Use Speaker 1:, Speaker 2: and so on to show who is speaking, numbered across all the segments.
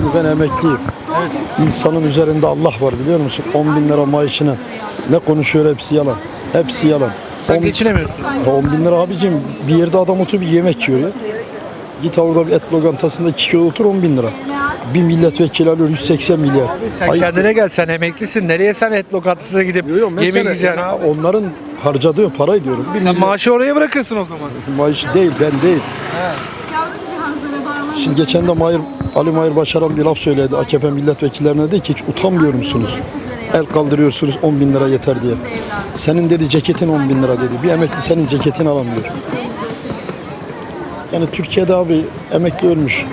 Speaker 1: Şimdi ben emekliyim. İnsanın üzerinde Allah var biliyor musun? 10 bin lira maaşına ne konuşuyor hepsi yalan. Hepsi yalan.
Speaker 2: Sen geçinemiyorsun.
Speaker 1: 10 bin lira abicim bir yerde adam oturup bir yemek yiyor ya. Git orada bir et lokantasında 2 kilo otur 10 bin lira. Bir milletvekili alıyor 180 milyar.
Speaker 2: Sen
Speaker 1: Ayıp.
Speaker 2: kendine gel, sen emeklisin. Nereye sen et lokantasına gidip
Speaker 1: Yok,
Speaker 2: yemek
Speaker 1: mesela
Speaker 2: yiyeceksin
Speaker 1: yani
Speaker 2: abi?
Speaker 1: onların harcadığı para diyorum. Bir
Speaker 2: Sen
Speaker 1: milyon
Speaker 2: maaşı oraya bırakırsın o zaman.
Speaker 1: maaş değil ben değil. Şimdi geçen de Ali Mahir Başaran bir laf söyledi AKP milletvekillerine dedi ki hiç utanmıyor musunuz? El kaldırıyorsunuz 10 bin lira yeter diye. Senin dedi ceketin 10 bin lira dedi. Bir emekli senin ceketini alamıyor. Yani Türkiye'de abi emekli ölmüş,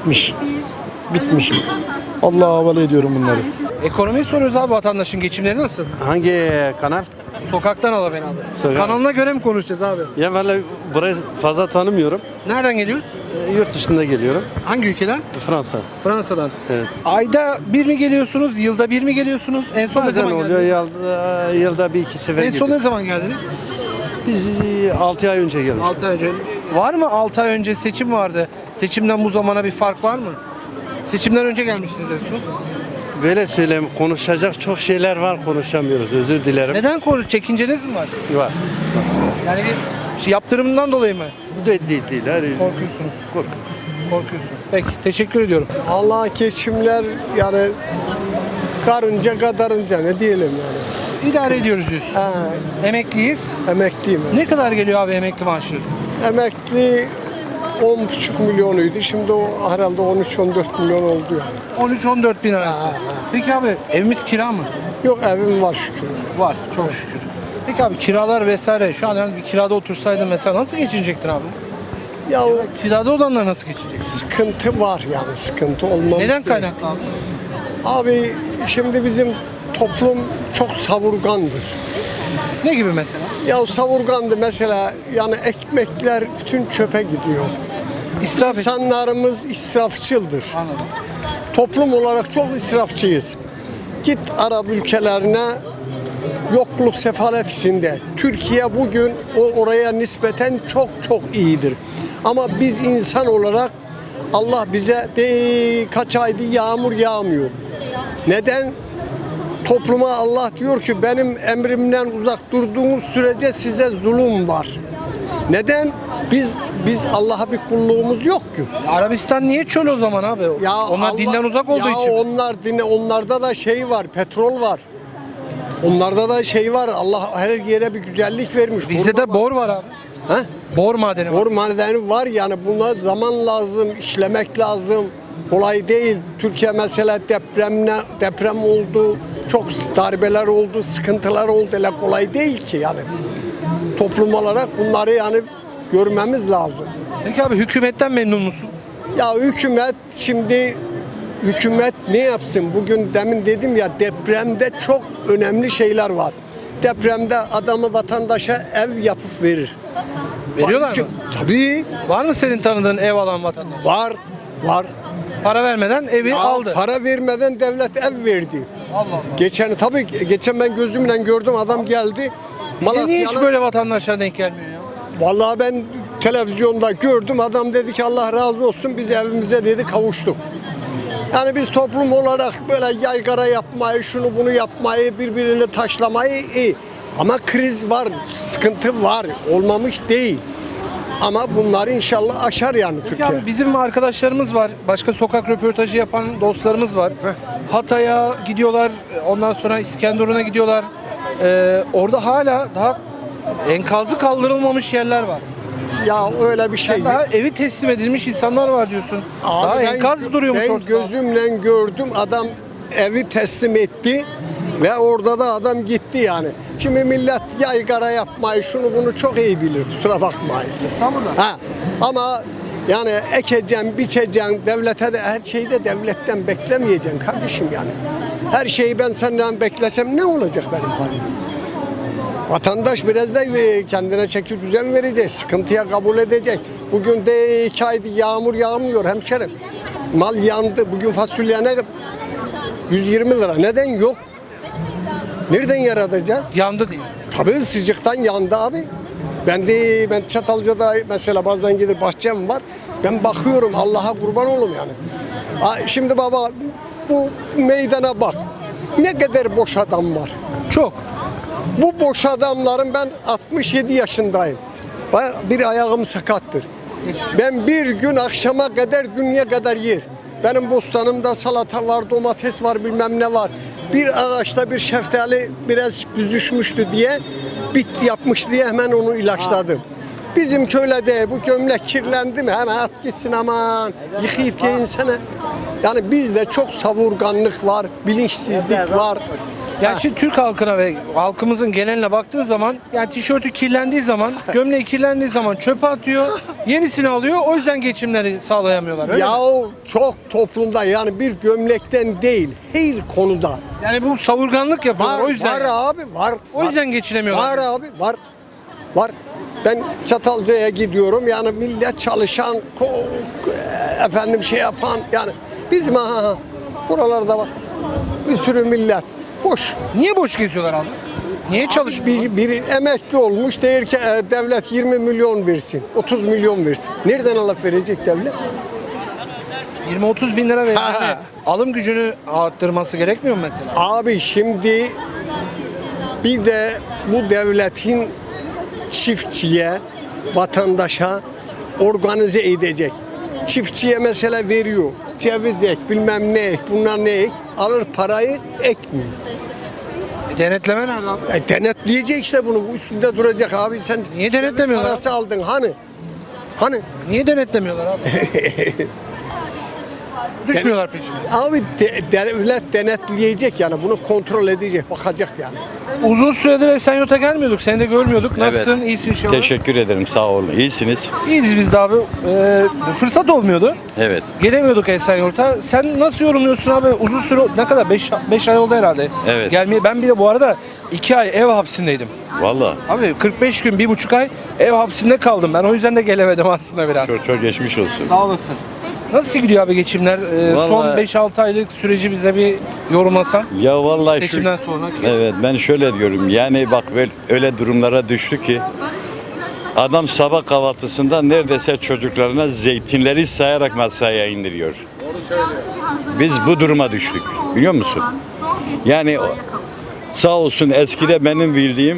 Speaker 1: bitmiş. Allah'a havale ediyorum bunları.
Speaker 2: Ekonomiyi soruyoruz abi, vatandaşın geçimleri nasıl?
Speaker 3: Hangi kanal?
Speaker 2: Sokaktan al beni abi.
Speaker 3: Sokak.
Speaker 2: Kanalına göre mi konuşacağız abi?
Speaker 3: Ya vallahi burayı fazla tanımıyorum.
Speaker 2: Nereden geliyoruz?
Speaker 3: Yurt dışında geliyorum.
Speaker 2: Hangi ülkeden?
Speaker 3: Fransa.
Speaker 2: Fransa'dan.
Speaker 3: Evet.
Speaker 2: Ayda bir mi geliyorsunuz? Yılda bir mi geliyorsunuz? En son ne
Speaker 3: Bazen
Speaker 2: zaman
Speaker 3: oluyor
Speaker 2: geldiniz?
Speaker 3: yılda bir iki sefer
Speaker 2: En son
Speaker 3: geliyor.
Speaker 2: ne zaman geldiniz?
Speaker 3: Biz 6 ay önce gelmiştik.
Speaker 2: 6 ay önce. Var mı 6 ay önce seçim vardı? Seçimden bu zamana bir fark var mı? Seçimden önce gelmiştiniz en son.
Speaker 3: Böyle söyleyeyim, konuşacak çok şeyler var, konuşamıyoruz. Özür dilerim.
Speaker 2: Neden çekinceniz mi var?
Speaker 3: Var.
Speaker 2: Yani bir yaptırımından dolayı mı?
Speaker 3: Bu da değil. Hadi.
Speaker 2: Korkuyorsunuz.
Speaker 3: Kork.
Speaker 2: Korkuyorsunuz. Peki, teşekkür ediyorum.
Speaker 4: Allah geçimler yani karınca kadarınca ne diyelim yani.
Speaker 2: İdare ediyoruz diyorsun.
Speaker 4: Ha,
Speaker 2: Emekliyiz.
Speaker 4: emekliyim. Ben.
Speaker 2: Ne kadar geliyor abi emekli maaşı?
Speaker 4: Emekli 10,5 milyonuydu. Şimdi o herhalde 13-14 milyon oldu yani.
Speaker 2: 13-14 bin arası. Peki abi, evimiz kira mı?
Speaker 4: Yok evim var şükür.
Speaker 2: Var, çok şükür. Peki abi, kiralar vesaire, şu an yani bir kirada otursaydın mesela nasıl geçinecektin abi?
Speaker 4: Ya o
Speaker 2: Kirada olanlar nasıl geçinecek?
Speaker 4: sıkıntı var yani sıkıntı olmaz.
Speaker 2: Neden kaynaklı abi?
Speaker 4: Abi şimdi bizim toplum çok savurgandır.
Speaker 2: Ne gibi mesela?
Speaker 4: Ya savurgandı mesela yani ekmekler bütün çöpe gidiyor.
Speaker 2: İsraf et.
Speaker 4: İnsanlarımız israfçıldır.
Speaker 2: Anladım.
Speaker 4: Toplum olarak çok israfçıyız. Git Arap ülkelerine yokluk sefalet içinde. Türkiye bugün oraya nispeten çok iyidir. Ama biz insan olarak Allah bize kaç aydır yağmur yağmıyor. Neden? Topluma Allah diyor ki benim emrimden uzak durduğunuz sürece size zulüm var. Neden? Biz Allah'a bir kulluğumuz yok ki.
Speaker 2: Arabistan niye çöl o zaman abi? Onlar
Speaker 4: Allah-
Speaker 2: dinden uzak olduğu
Speaker 4: ya
Speaker 2: için.
Speaker 4: onlarda da şey var, petrol var. Onlarda da şey var. Allah her yere bir güzellik vermiş.
Speaker 2: Bizde de bor var abi.
Speaker 4: He?
Speaker 2: Bor madeni var.
Speaker 4: Bor madeni var yani buna zaman lazım, işlemek lazım. Kolay değil. Türkiye mesela deprem oldu, çok darbeler oldu, sıkıntılar oldu. Öyle kolay değil ki yani. Toplum olarak bunları yani görmemiz lazım.
Speaker 2: Peki abi, hükümetten memnun musun?
Speaker 4: Ya hükümet ne yapsın? Bugün demin dedim ya depremde çok önemli şeyler var. Depremde adamı vatandaşa ev yapıp verir.
Speaker 2: Veriyorlar mı?
Speaker 4: Tabii
Speaker 2: Var mı senin tanıdığın ev alan vatandaş?
Speaker 4: var.
Speaker 2: Para vermeden evi aldı.
Speaker 4: Para vermeden devlet ev verdi.
Speaker 2: Allah Allah.
Speaker 4: Geçen ben gözümle gördüm adam geldi.
Speaker 2: Niye hiç böyle vatandaşlara denk gelmiyor ya?
Speaker 4: Vallahi ben televizyonda gördüm adam dedi ki Allah razı olsun biz evimize dedi kavuştuk. Yani biz toplum olarak böyle yaygara yapmayı, şunu bunu yapmayı, birbirini taşlamayı iyi. Ama kriz var, sıkıntı var, olmamış değil. Ama bunları inşallah aşar yani Türkiye.
Speaker 2: Ya bizim arkadaşlarımız var. Başka sokak röportajı yapan dostlarımız var. Hatay'a gidiyorlar. Ondan sonra İskenderun'a gidiyorlar. Orada hala daha enkazı kaldırılmamış yerler var.
Speaker 4: Ya öyle bir şey.
Speaker 2: Daha evi teslim edilmiş insanlar var diyorsun.
Speaker 4: Abi
Speaker 2: Daha enkaz duruyormuş
Speaker 4: ben
Speaker 2: ortada.
Speaker 4: gözümle gördüm adam evi teslim etti ve orada da adam gitti yani. Şimdi millet yaygara yapmayı şunu bunu çok iyi bilir kusura bakmayın.
Speaker 2: İstanbul'da.
Speaker 4: Ha, ama yani ekeceğim, biçeceğim, devlete de her şeyi de devletten beklemeyeceksin kardeşim yani. Her şeyi ben senden beklesem ne olacak benim halim? Vatandaş biraz da kendine çeki düzen verecek, sıkıntıya kabul edecek. Bugün de 2 aydır yağmur yağmıyor hemşerim. Mal yandı, bugün fasulye ne? 120 lira. Neden yok? Nereden yaratacağız?
Speaker 2: Yandı diye.
Speaker 4: Tabii sıcaktan yandı abi. Ben Çatalca'da mesela bazen gidip bahçem var. Ben bakıyorum Allah'a kurban olum yani. Şimdi baba bu meydana bak. Ne kadar boş adam var.
Speaker 2: Çok.
Speaker 4: Bu boş adamların ben 67 yaşındayım. Bir ayağım sakattır. Ben bir gün akşama kadar dünya kadar yer. Benim bostanımda salata var, domates var, bilmem ne var. Bir ağaçta bir şeftali biraz düşmüştü diye, bit yapmış diye hemen onu ilaçladım. Bizim köyde de bu gömlek kirlendi mi hemen at gitsin aman yıkayıp giyinsene. Yani bizde çok savurganlık var, bilinçsizlik var.
Speaker 2: Yani şimdi Türk halkına ve halkımızın geneline baktığın zaman yani tişörtü kirlendiği zaman, gömleği kirlendiği zaman çöpe atıyor, yenisini alıyor. O yüzden geçimleri sağlayamıyorlar. Öyle mi?
Speaker 4: Yahu çok toplumda yani bir gömlekten değil her konuda.
Speaker 2: Yani bu savurganlık yapıyorlar.
Speaker 4: Var,
Speaker 2: o yüzden.
Speaker 4: var abi var.
Speaker 2: O yüzden geçinemiyorlar.
Speaker 4: Var abi var. Var. Ben Çatalca'ya gidiyorum yani millet çalışan efendim şey yapan yani bizim buralarda var bir sürü millet boş.
Speaker 2: Niye boş geziyorlar abi? Niye çalışmıyor?
Speaker 4: Biri emekli olmuş der ki devlet 20 milyon versin 30 milyon versin. Nereden alıp verecek devlet?
Speaker 2: 20-30 bin lira verdiğinde alım gücünü arttırması gerekmiyor mu mesela?
Speaker 4: Abi şimdi bir de bu devletin çiftçiye, vatandaşa organize edecek. Çiftçiye mesela veriyor. Ceviz ek, bilmem ne ek, bunlar ne ek. Alır parayı ekmiyor.
Speaker 2: Denetleme nerede abi?
Speaker 4: Denetleyecek işte bunu. Bu üstünde duracak abi. Sen
Speaker 2: Niye denetlemiyorlar?
Speaker 4: parası aldın hani? Hani?
Speaker 2: Niye denetlemiyorlar abi? Düşmüyorlar peşine.
Speaker 4: Abi devlet denetleyecek yani bunu kontrol edecek, bakacak yani.
Speaker 2: Uzun süredir Esenyurt'a gelmiyorduk. Seni de görmüyorduk. Nasılsın?
Speaker 5: Evet.
Speaker 2: İyisin inşallah.
Speaker 5: Teşekkür ederim, sağ olun. İyisiniz.
Speaker 2: İyiyiz biz de abi. Fırsat olmuyordu.
Speaker 5: Evet.
Speaker 2: Gelemiyorduk Esenyurt'a. Sen nasıl yorumluyorsun abi? Uzun süre ne kadar? 5 ay oldu herhalde.
Speaker 5: Evet.
Speaker 2: Gelmeye. Ben bir de bu arada 2 ay ev hapsindeydim.
Speaker 5: Vallahi
Speaker 2: Abi 45 gün, 1,5 ay ev hapsinde kaldım ben. O yüzden de gelemedim aslında biraz.
Speaker 5: çok geçmiş olsun.
Speaker 2: Sağ olasın. Nasıl gidiyor abi geçimler? Son
Speaker 5: Vallahi-
Speaker 2: 5-6 aylık süreci bize bir yorumlasan.
Speaker 5: Ya vallahi
Speaker 2: Seçimden sonra.
Speaker 5: Evet, ben şöyle diyorum. Yani bak öyle durumlara düştü ki adam sabah kahvaltısında neredeyse çocuklarına zeytinleri sayarak masaya indiriyor. Biz bu duruma düştük. Biliyor musun? Yani sağ olsun eskide benim bildiğim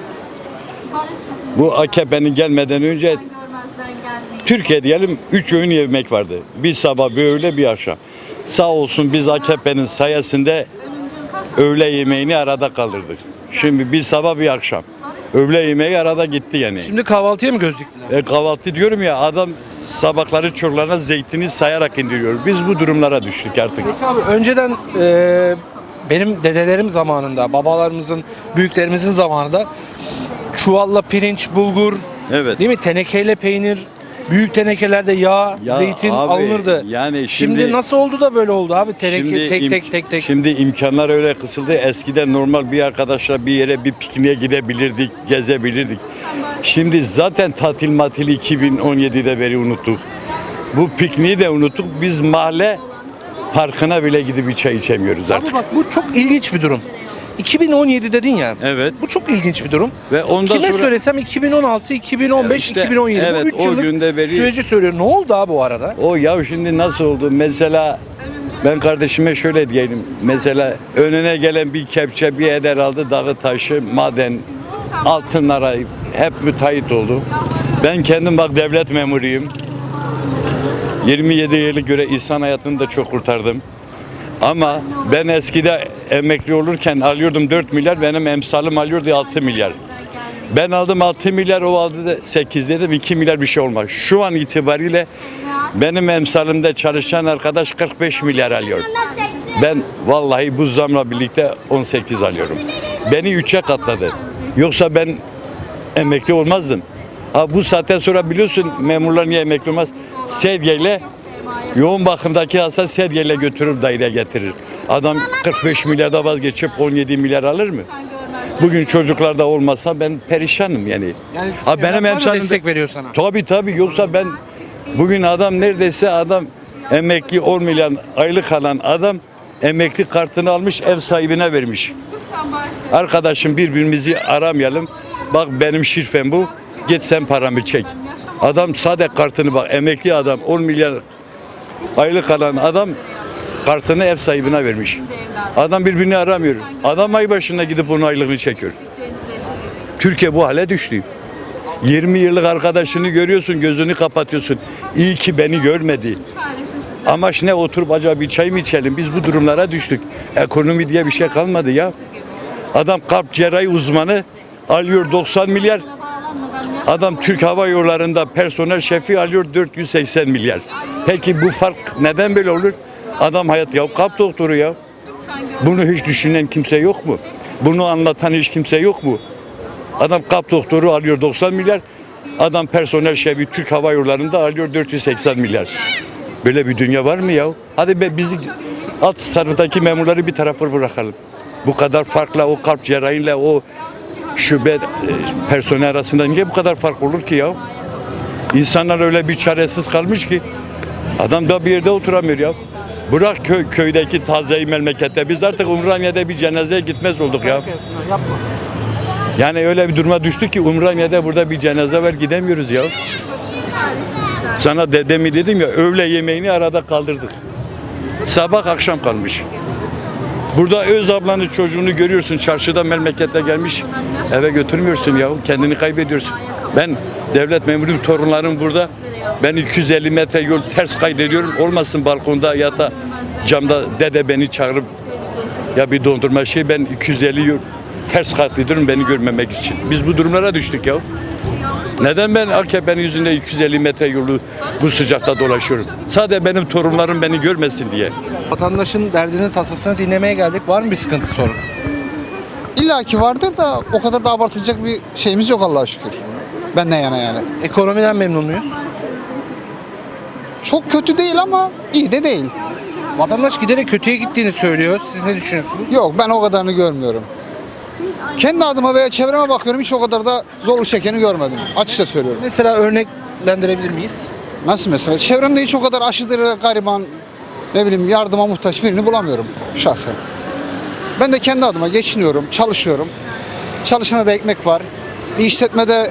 Speaker 5: bu AKP'nin gelmeden önce Türkiye diyelim 3 öğün yemek vardı. Bir sabah, bir öğle, bir akşam. Sağ olsun biz AKP'nin sayesinde öğle yemeğini arada kaldırdık. Şimdi bir sabah, bir akşam. Öğle yemeği arada gitti yani.
Speaker 2: Şimdi kahvaltıya mı göz diktiler?
Speaker 5: Kahvaltı diyorum ya adam sabahları çocuklarına zeytini sayarak indiriyor. Biz bu durumlara düştük artık.
Speaker 2: Peki abi önceden benim dedelerim zamanında, babalarımızın, büyüklerimizin zamanında çuvalla pirinç, bulgur,
Speaker 5: Evet.
Speaker 2: değil mi? Tenekeyle peynir, büyük tenekelerde yağ,
Speaker 5: Ya
Speaker 2: zeytin
Speaker 5: abi,
Speaker 2: alınırdı.
Speaker 5: yani
Speaker 2: şimdi nasıl oldu da böyle oldu abi? Teneke tek.
Speaker 5: Şimdi imkanlar öyle kısıldı. Eskiden normal bir arkadaşla bir yere bir pikniğe gidebilirdik, gezebilirdik. Şimdi zaten tatil 2017'de beri unuttuk. Bu pikniği de unuttuk. Biz mahalle parkına bile gidip bir çay içemiyoruz artık.
Speaker 2: Abi bak bu çok ilginç bir durum. 2017 dedin ya.
Speaker 5: Evet.
Speaker 2: Bu çok ilginç bir durum.
Speaker 5: Ve ondan
Speaker 2: Kime
Speaker 5: sonra
Speaker 2: söylesem 2016, 2015,
Speaker 5: İşte,
Speaker 2: 2017.
Speaker 5: evet,
Speaker 2: Bu 3
Speaker 5: o
Speaker 2: yıllık
Speaker 5: günde beri-
Speaker 2: süreci söylüyor. Ne oldu abi o arada?
Speaker 5: o ya şimdi nasıl oldu? Mesela ben kardeşime şöyle diyelim. Mesela önüne gelen bir kepçe bir eder aldı. Dağı taşı, maden, altınlara hep müteahhit oldu. Ben kendim bak devlet memuruyum. 27 yıllık göre insan hayatını da çok kurtardım. Ama ben eskide emekli olurken alıyordum 4 milyar, benim emsalım alıyordu 6 milyar. Ben aldım 6 milyar, o aldı da 8 dedim, 2 milyar bir şey olmaz. Şu an itibariyle benim emsalimde çalışan arkadaş 45 milyar alıyor. Ben vallahi bu zamla birlikte 18 alıyorum. Beni 3'e katladı. Yoksa ben emekli olmazdım. Ha bu saatten sonra biliyorsun memurlar niye emekli olmaz? Sedyeyle yoğun bakımdaki hasta sedyeyle götürür daireye getirir. Adam 45 milyarda vazgeçip 17 milyar alır mı? Bugün çocuklarda olmasa ben perişanım yani.
Speaker 2: Yani
Speaker 5: Ha benim
Speaker 2: evlatlar da
Speaker 5: emsalim
Speaker 2: destek veriyor sana.
Speaker 5: Tabii yoksa ben bugün adam neredeyse adam emekli olmayan aylık alan adam emekli kartını almış ev sahibine vermiş. Arkadaşım birbirimizi aramayalım. Bak benim şifrem bu. Git sen paramı çek. Adam sade kartını bak emekli adam 10 milyar Aylık alan adam kartını ev sahibine vermiş. Adam birbirini aramıyor. Adam ay başına gidip onun aylığını çekiyor. Türkiye bu hale düştü. 20 yıllık arkadaşını görüyorsun, gözünü kapatıyorsun. İyi ki beni görmedi. Amaç ne? Oturup acaba bir çay mı içelim? Biz bu durumlara düştük. Ekonomi diye bir şey kalmadı ya. Adam kalp cerrahi uzmanı alıyor 90 milyar. Adam Türk Hava Yolları'nda personel şefi alıyor 480 milyar. Peki bu fark neden böyle olur? Adam hayat ya kalp doktoru ya. Bunu hiç düşünen kimse yok mu? Bunu anlatan hiç kimse yok mu? Adam kalp doktoru alıyor 90 milyar. Adam personel şefi Türk Hava Yolları'nda alıyor 480 milyar. Böyle bir dünya var mı ya? Hadi be bizi alt sınıftaki memurları bir tarafa bırakalım. Bu kadar farkla o kalp cerrahiyle o şube personel arasında niye bu kadar fark olur ki ya? İnsanlar öyle bir çaresiz kalmış ki adam da bir yerde oturamıyor ya. Bırak köydeki tazeyi memlekette. Biz artık Umraniye'de bir cenazeye gitmez olduk ya. Yani öyle bir duruma düştük ki Umraniye'de burada bir cenaze var gidemiyoruz ya. Sana dedemi dedim ya öğle yemeğini arada kaldırdık. Sabah akşam kalmış. Burada öz ablanın çocuğunu görüyorsun çarşıda memlekette gelmiş eve götürmüyorsun ya kendini kaybediyorsun. Ben devlet memuruyum torunlarım burada. Ben 250 metre yol ters kaydediyorum. Olmasın balkonda ya da camda dede beni çağırıp ya bir dondurma şey ben 250 yol ters kaydediyorum beni görmemek için. Biz bu durumlara düştük ya. Neden ben AKP'nin yüzünde 250 metre yolu bu sıcakta dolaşıyorum? Sadece benim torunlarım beni görmesin diye.
Speaker 2: Vatandaşın derdini, tasasını dinlemeye geldik. Var mı bir sıkıntı, sorun?
Speaker 6: İlla ki vardır da o kadar da abartacak bir şeyimiz yok Allah'a şükür. Benden yana yani.
Speaker 2: Ekonomiden memnun muyuz?
Speaker 6: Çok kötü değil ama iyi de değil.
Speaker 2: Vatandaş giderek kötüye gittiğini söylüyor. Siz ne düşünüyorsunuz?
Speaker 6: Yok ben o kadarını görmüyorum. Kendi adıma veya çevreme bakıyorum hiç o kadar da zorluk çekeni görmedim. Açıkça söylüyorum.
Speaker 2: Mesela örneklendirebilir miyiz?
Speaker 6: Nasıl mesela? Çevremde hiç o kadar aşırı gariban, ne bileyim yardıma muhtaç birini bulamıyorum şahsen. Ben de kendi adıma geçiniyorum, çalışıyorum. Çalışana da ekmek var. Bir işletmede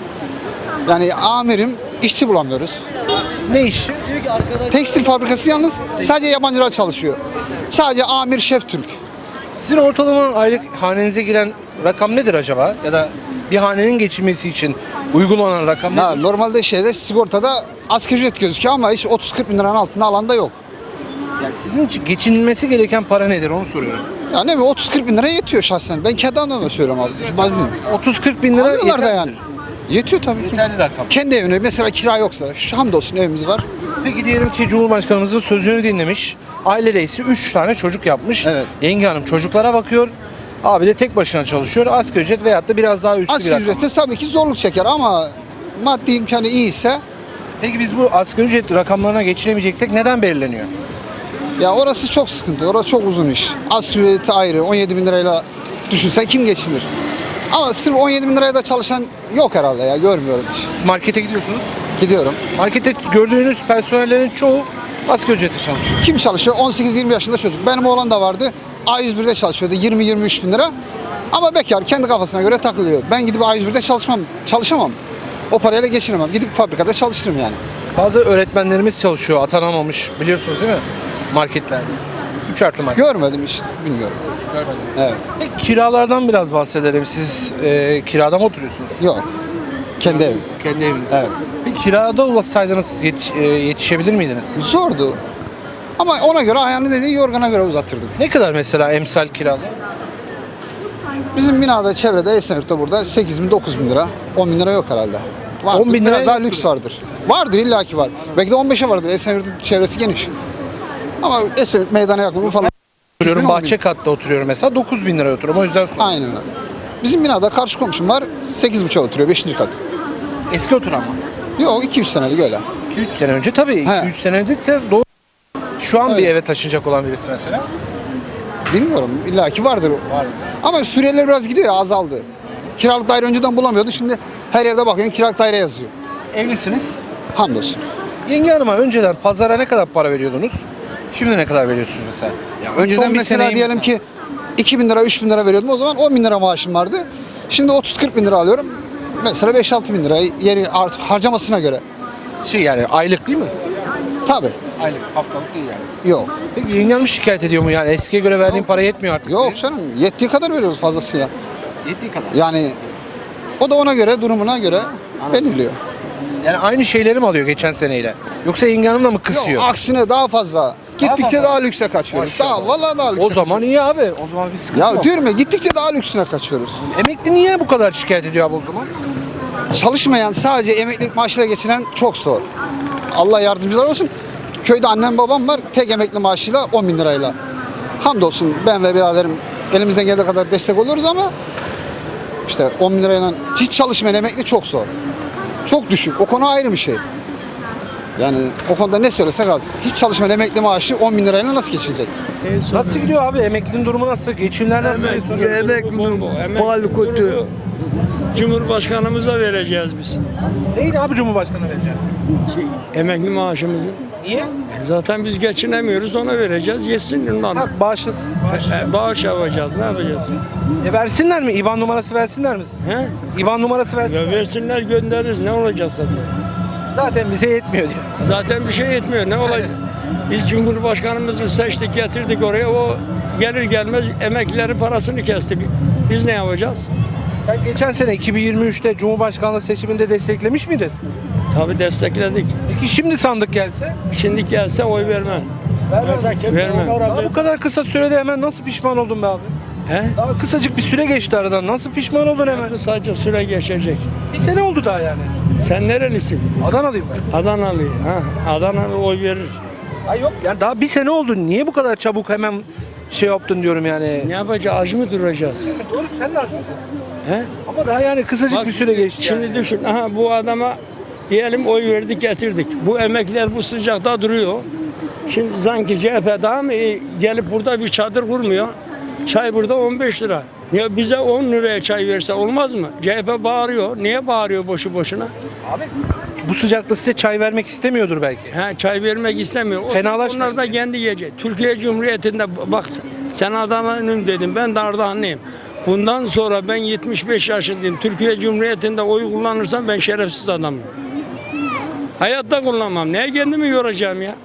Speaker 6: yani amirim, işçi bulamıyoruz.
Speaker 2: Ne iş?
Speaker 6: Tekstil fabrikası yalnız sadece yabancılar çalışıyor. Sadece amir, şef Türk.
Speaker 2: Sizin ortalama aylık hanenize giren rakam nedir acaba? Ya da bir hanenin geçinmesi için uygun olan rakam
Speaker 6: Ha,
Speaker 2: nedir?
Speaker 6: normalde sigortada asgari ücret gözüküyor ama hiç 30-40 bin liranın altında alanda yok.
Speaker 2: Yani sizin için geçinilmesi gereken para nedir onu soruyorum.
Speaker 6: Yani ne bileyim 30-40 bin lira yetiyor şahsen. Ben kendi adıma söylüyorum abi. Ben bilmiyorum.
Speaker 2: 30-40 bin lira
Speaker 6: Alıyorlar da
Speaker 2: yeter.
Speaker 6: yani. Yetiyor tabii ki.
Speaker 2: Yeterli rakam.
Speaker 6: Kendi evine mesela kira yoksa, şu hamdolsun evimiz var.
Speaker 2: Peki diyelim ki Cumhurbaşkanımızın sözünü dinlemiş. Aile reisi 3 tane çocuk yapmış.
Speaker 6: Evet.
Speaker 2: Yenge hanım çocuklara bakıyor. Abi de tek başına çalışıyor. Asgari ücret veyahut da biraz daha üstü bir
Speaker 6: Asgari
Speaker 2: rakam.
Speaker 6: ücrette tabii ki zorluk çeker ama maddi imkanı iyiyse
Speaker 2: Peki biz bu asgari ücret rakamlarına geçinemeyeceksek neden belirleniyor?
Speaker 6: ya orası çok sıkıntı. Orası çok uzun iş. Asgari ücreti ayrı 17 bin lirayla düşünsen kim geçinir? Ama sırf 17 bin liraya da çalışan yok herhalde ya görmüyorum hiç.
Speaker 2: Siz markete gidiyorsunuz.
Speaker 6: Gidiyorum.
Speaker 2: Markette gördüğünüz personellerin çoğu asgari ücretle çalışıyor.
Speaker 6: Kim çalışıyor? 18-20 yaşında çocuk. Benim oğlan da vardı. A101'de çalışıyordu 20-23 bin lira. Ama bekar kendi kafasına göre takılıyor. Ben gidip A101'de çalışamam. O parayla geçinemem. Gidip fabrikada çalışırım yani.
Speaker 2: Bazı öğretmenlerimiz çalışıyor, atanamamış biliyorsunuz değil mi? Marketlerde. 3 artı market.
Speaker 6: Görmedim hiç bilmiyorum.
Speaker 2: Görmedim.
Speaker 6: Evet.
Speaker 2: Peki kiralardan biraz bahsedelim. Siz kirada mı oturuyorsunuz?
Speaker 6: Yok. Kendi evim.
Speaker 2: Kendi eviniz.
Speaker 6: Evet.
Speaker 2: Peki kirada olsaydınız yetişebilir miydiniz?
Speaker 6: Zordu. Ama ona göre ayağını dediği yorgana göre uzatırdık.
Speaker 2: Ne kadar mesela emsal kirada?
Speaker 6: Bizim binada çevrede Esenyurt'ta burada 8 bin 9 bin lira. 10 bin lira yok herhalde. Vardır.
Speaker 2: 10 bin lira
Speaker 6: Biraz daha
Speaker 2: yoktur.
Speaker 6: lüks vardır. Vardır illaki var. Belki de 15'e vardır. Esenyurt'un çevresi geniş. Ama Esenyurt meydana yakın falan.
Speaker 2: Oturuyorum,
Speaker 6: 10 bin.
Speaker 2: bahçe katta oturuyorum mesela 9 bin lira oturuyorum o yüzden sordum.
Speaker 6: Aynen öyle. Bizim binada karşı komşum var. 8,5'a oturuyor 5. kat.
Speaker 2: Eski oturan mı?
Speaker 6: Yok 2-3 senelik öyle.
Speaker 2: 2-3 sene önce tabii.
Speaker 6: He.
Speaker 2: 2-3 sene önce de doğru. Şu an bir
Speaker 6: Öyle.
Speaker 2: eve taşınacak olan birisi mesela.
Speaker 6: Bilmiyorum. illaki vardır.
Speaker 2: Var.
Speaker 6: Ama Suriyeliler biraz gidiyor ya azaldı. Kiralık daire önceden bulamıyordu. Şimdi her yerde bakıyorsun kiralık daire yazıyor.
Speaker 2: Evlisiniz.
Speaker 6: Hamdolsun.
Speaker 2: Yenge hanıma önceden pazara ne kadar para veriyordunuz? Şimdi ne kadar veriyorsunuz mesela?
Speaker 6: Önceden
Speaker 2: Son bir
Speaker 6: mesela
Speaker 2: seneyi
Speaker 6: diyelim ki 2 bin lira 3 bin lira veriyordum. O zaman 10 bin lira maaşım vardı. Şimdi 30-40 bin lira alıyorum. Mesela 5-6 bin lira yeri artık harcamasına göre.
Speaker 2: Yani aylık değil mi?
Speaker 6: Tabii.
Speaker 2: Aylık, haftalık değil yani.
Speaker 6: Yok.
Speaker 2: Peki yengen mi şikayet ediyor mu yani? Eskiye göre verdiğin para yetmiyor artık.
Speaker 6: Yok canım. Yettiği kadar veriyoruz fazlasıyla.
Speaker 2: Yettiği kadar.
Speaker 6: Yani o da ona göre, durumuna göre belirliyor.
Speaker 2: Yani aynı şeyleri mi alıyor geçen seneyle? Yoksa yengen hanım da mı kısıyor?
Speaker 6: Yok, aksine daha fazla. Gittikçe
Speaker 2: fazla.
Speaker 6: daha lükse kaçıyoruz.
Speaker 2: Maşallah.
Speaker 6: Daha vallahi daha lükse.
Speaker 2: O zaman iyi abi. O zaman bir sıkıntı
Speaker 6: Ya
Speaker 2: yok.
Speaker 6: diyorum ya, gittikçe daha lüksüne kaçıyoruz.
Speaker 2: Emekli niye bu kadar şikayet ediyor abi o zaman?
Speaker 6: Çalışmayan, sadece emeklilik maaşıyla geçiren çok zor. Allah yardımcılar olsun. Köyde annem babam var, tek emekli maaşıyla 10 bin lirayla. Hamdolsun ben ve biraderim elimizden geldiği kadar destek oluyoruz ama işte 10 bin lirayla hiç çalışmayan emekli çok zor. Çok düşük. O konu ayrı bir şey. Yani o konuda ne söylesek az. Hiç çalışmayan emekli maaşı 10 bin lirayla nasıl geçilecek?
Speaker 2: Nasıl gidiyor abi? Emeklinin durumu nasıl? Geçimler nasıl?
Speaker 7: Pahalı kötü. Cumhurbaşkanımıza vereceğiz biz.
Speaker 2: Neydi abi Cumhurbaşkanı vereceğim?
Speaker 7: Emekli maaşımızı.
Speaker 2: Niye?
Speaker 7: Zaten biz geçinemiyoruz, ona vereceğiz. Yesin ondan.
Speaker 2: Ha, bağışlasın.
Speaker 7: Bağış yapacağız, ne yapacağız?
Speaker 2: Versinler mi? İban numarası versinler mi?
Speaker 7: He?
Speaker 2: İban numarası versinler.
Speaker 7: Ya versinler, göndeririz, ne olacak zaten?
Speaker 2: Zaten bize yetmiyor diyor.
Speaker 7: Zaten bir şey yetmiyor, ne olacak? Biz Cumhurbaşkanımızı seçtik, getirdik oraya, o gelir gelmez emeklilerin parasını kesti. Biz ne yapacağız?
Speaker 2: Sen geçen sene 2023'te Cumhurbaşkanlığı seçiminde desteklemiş miydin?
Speaker 7: Tabii destekledik.
Speaker 2: Peki şimdi sandık gelse?
Speaker 7: Şimdi gelse oy vermem. Vermem.
Speaker 2: Daha bu kadar kısa sürede hemen nasıl pişman oldun be abi?
Speaker 7: He?
Speaker 2: Daha kısacık bir süre geçti aradan. Nasıl pişman oldun hemen?
Speaker 7: Sadece süre geçecek.
Speaker 2: Bir sene oldu daha yani.
Speaker 7: Sen nerelisin?
Speaker 2: Adanalıyım ben.
Speaker 7: Adanalı. Ha, Adanalı oy verir.
Speaker 2: Ay yok yani daha bir sene oldu. Niye bu kadar çabuk hemen şey yaptın diyorum yani.
Speaker 7: Ne yapacağız? Aç mı duracağız?
Speaker 2: Doğru sen de haklısın.
Speaker 7: He?
Speaker 2: Ama daha yani kısacık
Speaker 7: Bak,
Speaker 2: bir süre geçti.
Speaker 7: Şimdi
Speaker 2: yani.
Speaker 7: düşün. Aha bu adama diyelim oy verdik getirdik. Bu emekliler bu sıcakta duruyor. Şimdi sanki CHP daha mı iyi gelip burada bir çadır kurmuyor? Çay burada 15 lira. Ya bize 10 liraya çay verse olmaz mı? CHP bağırıyor. Niye bağırıyor boşu boşuna?
Speaker 2: Abi bu sıcakta size çay vermek istemiyordur belki.
Speaker 7: He, çay vermek istemiyor.
Speaker 2: Fenalaşmayın.
Speaker 7: Onlar da kendi yiyecek. Türkiye Cumhuriyeti'nde bak sen Adana'nın dedim, ben de Ardahanlıyım. Bundan sonra ben 75 yaşındayım. Türkiye Cumhuriyeti'nde oy kullanırsam ben şerefsiz adamım. Hayatta kullanmam. Neye kendimi yoracağım ya?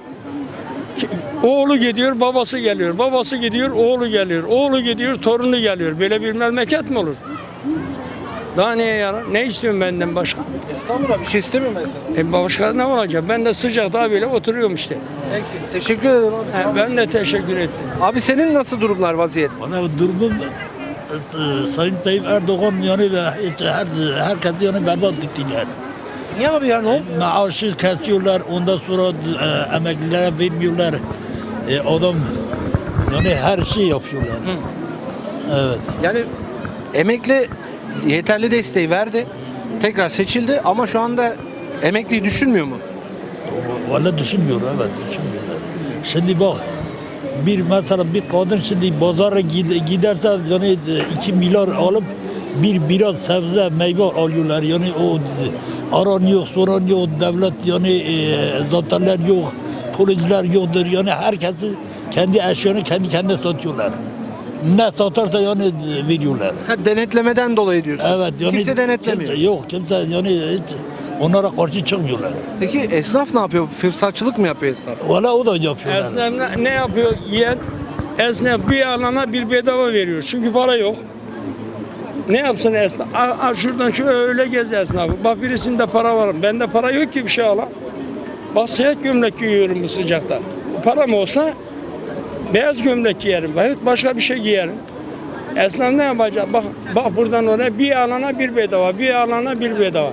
Speaker 7: Oğlu gidiyor, babası geliyor. Babası gidiyor, oğlu geliyor. Oğlu gidiyor, torunu geliyor. Böyle bir memleket mi olur? Daha neye yarar? Ne istiyorsun benden başka?
Speaker 2: Estağfurullah bir şey istemiyorum ben sana.
Speaker 7: Başka ne olacak? Ben de sıcakta böyle oturuyorum işte.
Speaker 2: Peki teşekkür ederim abi. Sağ ol.
Speaker 7: Ben de teşekkür ettim.
Speaker 2: Abi senin nasıl durumlar vaziyet?
Speaker 8: Bana durumum Sayın Tayyip Erdoğan yani ve herkes yani berbat etti yani.
Speaker 2: Niye abi ya ne oldu?
Speaker 8: Maaşı kesiyorlar, ondan sonra emeklilere vermiyorlar. Adam yani her şey yapıyorlar. Evet.
Speaker 2: Yani emekli yeterli desteği verdi. Tekrar seçildi ama şu anda emekliyi düşünmüyor mu?
Speaker 8: Valla düşünmüyor, evet düşünmüyorlar. Şimdi bak, mesela bir kadın şimdi pazara giderse yani 2 milyar alıp biraz sebze meyve alıyorlar. Yani o aranıyor, soranıyor, devlet yani zatenler yok, polisler yoktur. Yani herkesi kendi eşyanı kendi kendine satıyorlar. Ne satarsa yani veriyorlar.
Speaker 2: Ha, denetlemeden dolayı diyorsun.
Speaker 8: Evet yani
Speaker 2: Kimse denetlemiyor.
Speaker 8: Kimse yani hiç onlara karşı çıkmıyorlar.
Speaker 2: Peki esnaf ne yapıyor? Fırsatçılık mı yapıyor esnaf?
Speaker 8: Valla o da yapıyorlar.
Speaker 7: Esnaf ne yapıyor? Yiyen esnaf bir alana bir bedava veriyor. Çünkü para yok. Ne yapsın esnaf? Şuradan şöyle gez esnafı. Bak birisinde para var. Bende para yok ki bir şey alan. Bak siyah gömlek giyiyorum bu sıcakta. Param olsa beyaz gömlek giyerim. Başka bir şey giyerim. Esnaf ne yapacak? Bak buradan oraya bir alana bir bedava. Bir alana bir bedava.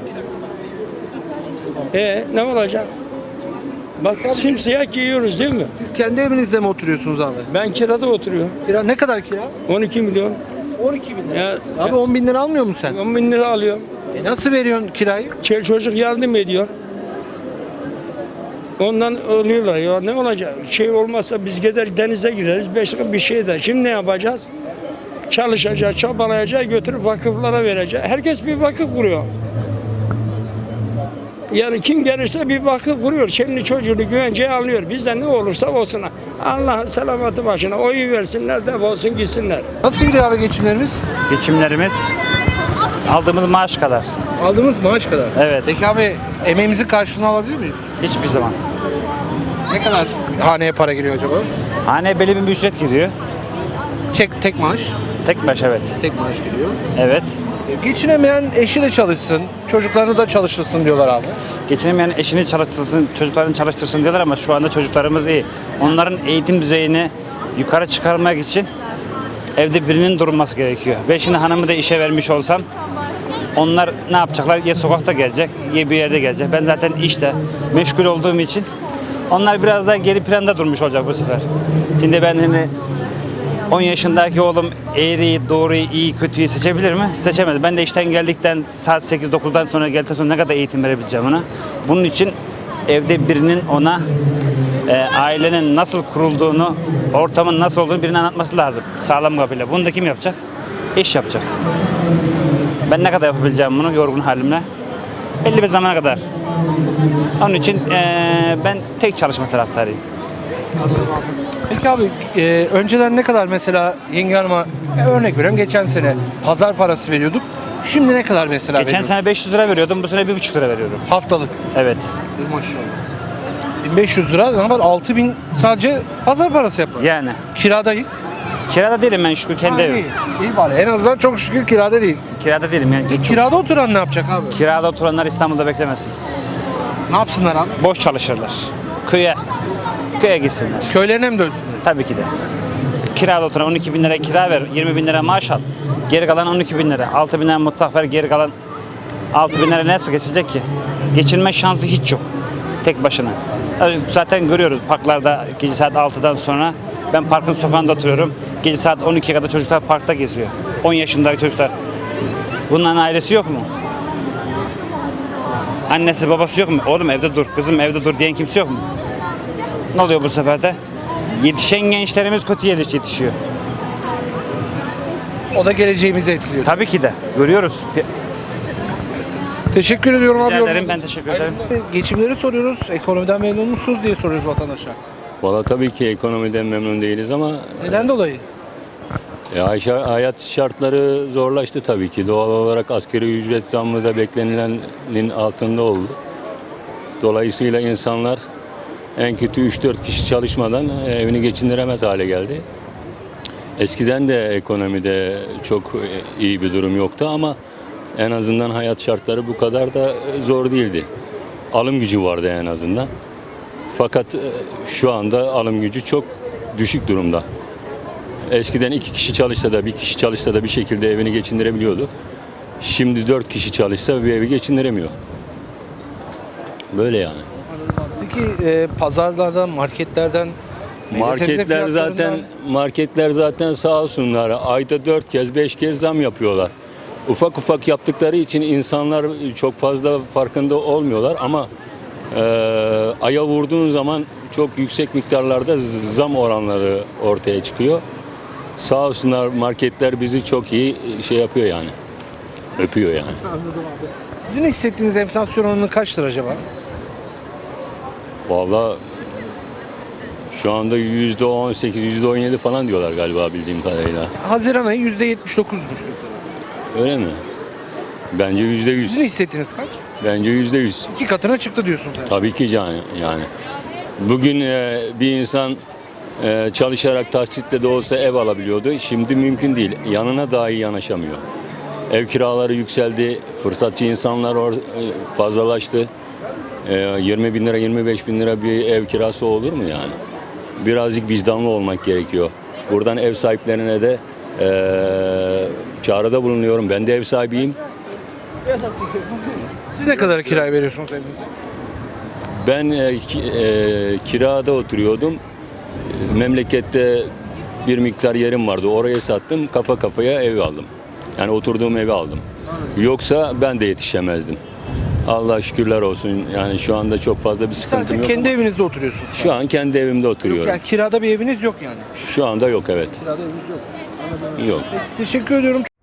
Speaker 7: Ne olacak? Bak simsiyah giyiyoruz değil mi?
Speaker 2: Siz kendi evinizde mi oturuyorsunuz abi?
Speaker 7: Ben kirada oturuyorum.
Speaker 2: Kira ne kadar kira?
Speaker 7: 12 milyon.
Speaker 2: 12 bin lira.
Speaker 7: Ya,
Speaker 2: Abi 10 bin lira almıyor musun sen?
Speaker 7: 10 bin lira alıyorum.
Speaker 2: Nasıl veriyorsun kirayı?
Speaker 7: Çocuk yardım ediyor. Ondan ölüyorlar ya, ne olacak? Şey olmazsa biz gider denize gireriz, 5 lira bir şey de. Şimdi ne yapacağız? Çalışacağız, çabalayacağız, götürüp vakıflara vereceğiz. Herkes bir vakıf kuruyor. Yani kim gelirse bir vakıf kuruyor. Kendi çocuğunu güvenceye alıyor. Bizden ne olursa olsun. Allah'ın selamatı başına. Oyu versinler, defolsun gitsinler.
Speaker 2: Nasıl gidiyor abi geçimlerimiz?
Speaker 9: Geçimlerimiz aldığımız maaş kadar.
Speaker 2: Aldığımız maaş kadar.
Speaker 9: Evet.
Speaker 2: Peki abi emeğimizin karşılığını alabiliyor muyuz?
Speaker 9: Hiçbir zaman.
Speaker 2: Ne kadar haneye para giriyor acaba?
Speaker 9: Hane belli bir ücret giriyor.
Speaker 2: Tek maaş.
Speaker 9: Tek baş evet.
Speaker 2: Tek maaş giriyor.
Speaker 9: Evet.
Speaker 2: Geçinemeyen eşi de çalışsın, çocuklarını da çalıştırsın diyorlar abi.
Speaker 9: Geçinemeyen eşini çalıştırsın, çocuklarını çalıştırsın diyorlar ama şu anda çocuklarımız iyi. Onların eğitim düzeyini yukarı çıkarmak için evde birinin durması gerekiyor. Ve şimdi hanımı da işe vermiş olsam onlar ne yapacaklar? Ya sokakta gelecek, ya bir yerde gelecek. Ben zaten işte meşgul olduğum için onlar biraz daha geri planda durmuş olacak bu sefer. Şimdi ben hani 10 yaşındaki oğlum eğriyi, doğruyu, iyi, kötüyü seçebilir mi? Seçemez. Ben de işten geldikten saat 8-9'dan sonra geldikten sonra ne kadar eğitim verebileceğim ona? Bunun için evde birinin ona ailenin nasıl kurulduğunu, ortamın nasıl olduğunu birine anlatması lazım. Sağlam kafayla. Bunu da kim yapacak? Eş yapacak. Ben ne kadar yapabileceğim bunu yorgun halimle? Belli bir zamana kadar. Onun için ben tek çalışma taraftarıyım.
Speaker 2: Peki abi önceden ne kadar mesela yenge hanıma örnek veriyorum geçen sene pazar parası veriyorduk. Şimdi ne kadar mesela
Speaker 9: Geçen
Speaker 2: veriyoruz?
Speaker 9: sene 500 lira veriyordum, bu sene 1,5 lira veriyorum.
Speaker 2: Haftalık.
Speaker 9: Evet.
Speaker 2: Maşallah. 1500 lira ne var? 6000 sadece pazar parası yapar.
Speaker 9: Yani.
Speaker 2: Kiradayız.
Speaker 9: Kirada değilim ben şükür kendi evim.
Speaker 2: İyi bari. En azından çok şükür kirada değiliz.
Speaker 9: Kirada değilim yani.
Speaker 2: Kirada oturan ne yapacak abi?
Speaker 9: Kirada oturanlar İstanbul'da beklemesin.
Speaker 2: Ne yapsınlar abi?
Speaker 9: Boş çalışırlar. Köye gitsinler.
Speaker 2: Köylerine mi dönsünler?
Speaker 9: Tabii ki de. Kirada oturan 12 bin lira kira ver, 20 bin lira maaş al. Geri kalan 12 bin lira. 6 bin lira mutfak ver, geri kalan 6 bin lira nasıl geçecek ki? Geçinme şansı hiç yok. Tek başına. Zaten görüyoruz parklarda gece saat 6'dan sonra. Ben parkın sokağında oturuyorum. Gece saat 12'ye kadar çocuklar parkta geziyor. 10 yaşındaki çocuklar. Bunların ailesi yok mu? Annesi babası yok mu? Oğlum evde dur, kızım evde dur diyen kimse yok mu? Ne oluyor bu sefer de? Yetişen gençlerimiz kötü yetişiyor.
Speaker 2: O da geleceğimizi etkiliyor.
Speaker 9: Tabii ki de. Görüyoruz.
Speaker 2: Teşekkür ediyorum abi.
Speaker 9: Rica ederim,
Speaker 2: yorumunuz
Speaker 9: ben
Speaker 2: için.
Speaker 9: teşekkür ederim.
Speaker 2: Geçimleri soruyoruz. Ekonomiden memnun musunuz diye soruyoruz vatandaşa.
Speaker 10: Valla tabii ki ekonomiden memnun değiliz ama
Speaker 2: Neden dolayı?
Speaker 10: hayat şartları zorlaştı tabii ki. Doğal olarak asgari ücret zammı da beklenilenin altında oldu. Dolayısıyla insanlar en kötü 3-4 kişi çalışmadan evini geçindiremez hale geldi. Eskiden de ekonomide çok iyi bir durum yoktu ama en azından hayat şartları bu kadar da zor değildi. Alım gücü vardı en azından. Fakat şu anda alım gücü çok düşük durumda. Eskiden 2 kişi çalışsa da 1 kişi çalışsa da bir şekilde evini geçindirebiliyordu. Şimdi 4 kişi çalışsa bir evi geçindiremiyor. Böyle yani.
Speaker 2: Peki pazarlardan, marketlerden,
Speaker 10: Marketler zaten sağ olsunlar. Ayda 4 kez 5 kez zam yapıyorlar. Ufak ufak yaptıkları için insanlar çok fazla farkında olmuyorlar ama aya vurduğun zaman çok yüksek miktarlarda zam oranları ortaya çıkıyor. Sağ olsunlar marketler bizi çok iyi şey yapıyor yani. Öpüyor yani.
Speaker 2: Sizin hissettiğiniz enflasyon oranı kaçtır acaba?
Speaker 10: Vallahi şu anda %18, %17 falan diyorlar galiba bildiğim kadarıyla.
Speaker 2: Haziran ayı %79'muş mesela.
Speaker 10: Öyle mi? Bence %100.
Speaker 2: Sizin hissettiğiniz kaç?
Speaker 10: Bence %100.
Speaker 2: 2 katına çıktı diyorsunuz yani.
Speaker 10: Tabii ki yani. Bugün bir insan çalışarak taksitle de olsa ev alabiliyordu. Şimdi mümkün değil. Yanına dahi yanaşamıyor. Ev kiraları yükseldi. Fırsatçı insanlar fazlalaştı. 20 bin lira, 25 bin lira bir ev kirası olur mu yani? Birazcık vicdanlı olmak gerekiyor. Buradan ev sahiplerine de çağrıda bulunuyorum. Ben de ev sahibiyim.
Speaker 2: Siz ne kadar kiraya veriyorsunuz evinizi?
Speaker 10: Ben kirada oturuyordum. Memlekette bir miktar yerim vardı. Oraya sattım. Kafa kafaya ev aldım. Yani oturduğum evi aldım. Yoksa ben de yetişemezdim. Allah şükürler olsun. Yani şu anda çok fazla bir sıkıntım
Speaker 2: Sadece
Speaker 10: yok.
Speaker 2: kendi evinizde oturuyorsunuz.
Speaker 10: Şu an kendi evimde
Speaker 2: Yok
Speaker 10: oturuyorum.
Speaker 2: yani kirada bir eviniz yok yani.
Speaker 10: Şu anda yok evet.
Speaker 2: Kirada eviniz yok.
Speaker 10: Yok.
Speaker 2: Teşekkür ediyorum.